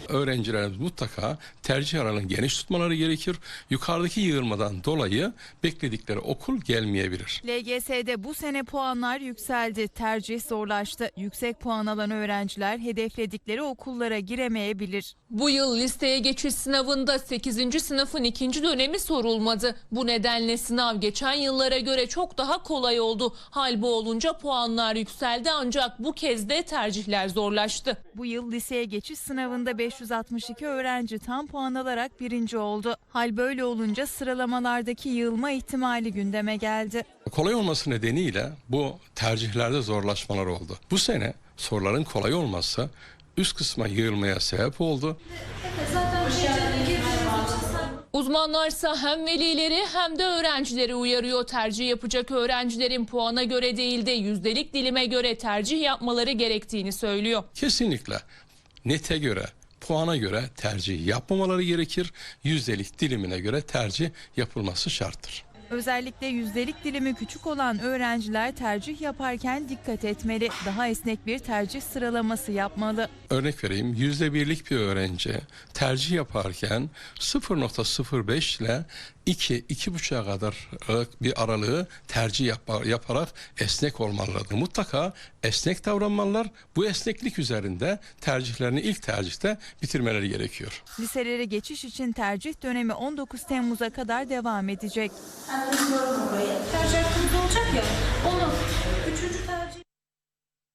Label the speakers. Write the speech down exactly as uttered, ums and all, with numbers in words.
Speaker 1: Öğrencilerimiz mutlaka tercih aralığını geniş tutmaları gerekir. Yukarıdaki yığılmadan dolayı bekledikleri okul gelmeyebilir.
Speaker 2: L G S'de bu sene puanlar yükseldi, tercih zorlaştı. Yüksek puan alan öğrenciler hedefledikleri okullara giremeyebilir.
Speaker 3: Bu yıl listeye geçiş sınavında sekizinci sınıfın ikinci dönemi sorulmadı. Bu nedenle sınav geçen yıllara göre çok daha kolay oldu. Hal bu olunca puanlar yükseldi ancak bu kez de tercihler zorlaştı.
Speaker 2: Bu yıl liseye geçiş sınavında beş yüz altmış iki öğrenci tam puan alarak birinci oldu. Hal böyle olunca sıralamalardaki yığılma ihtimali gündeme geldi.
Speaker 1: Kolay olması nedeniyle bu tercihlerde zorlaşmalar oldu. Bu sene soruların kolay olması üst kısma yığılmaya sebep oldu.
Speaker 3: Uzmanlarsa hem velileri hem de öğrencileri uyarıyor. Tercih yapacak öğrencilerin puana göre değil de yüzdelik dilime göre tercih yapmaları gerektiğini söylüyor.
Speaker 1: Kesinlikle nete göre, puana göre tercih yapmamaları gerekir. Yüzdelik dilimine göre tercih yapılması şarttır.
Speaker 2: Özellikle yüzdelik dilimi küçük olan öğrenciler tercih yaparken dikkat etmeli. Daha esnek bir tercih sıralaması yapmalı.
Speaker 1: Örnek vereyim, yüzde birlik bir öğrenci tercih yaparken sıfır nokta sıfır beş ile iki iki buçuğa kadar bir aralığı tercih yap yaparak esnek olmalıdır. Mutlaka esnek davranmalılar. Bu esneklik üzerinde tercihlerini ilk tercihte bitirmeleri gerekiyor.
Speaker 2: Liselere geçiş için tercih dönemi on dokuz Temmuz'a kadar devam edecek.
Speaker 4: Tercih hakkımız olacak ya, onu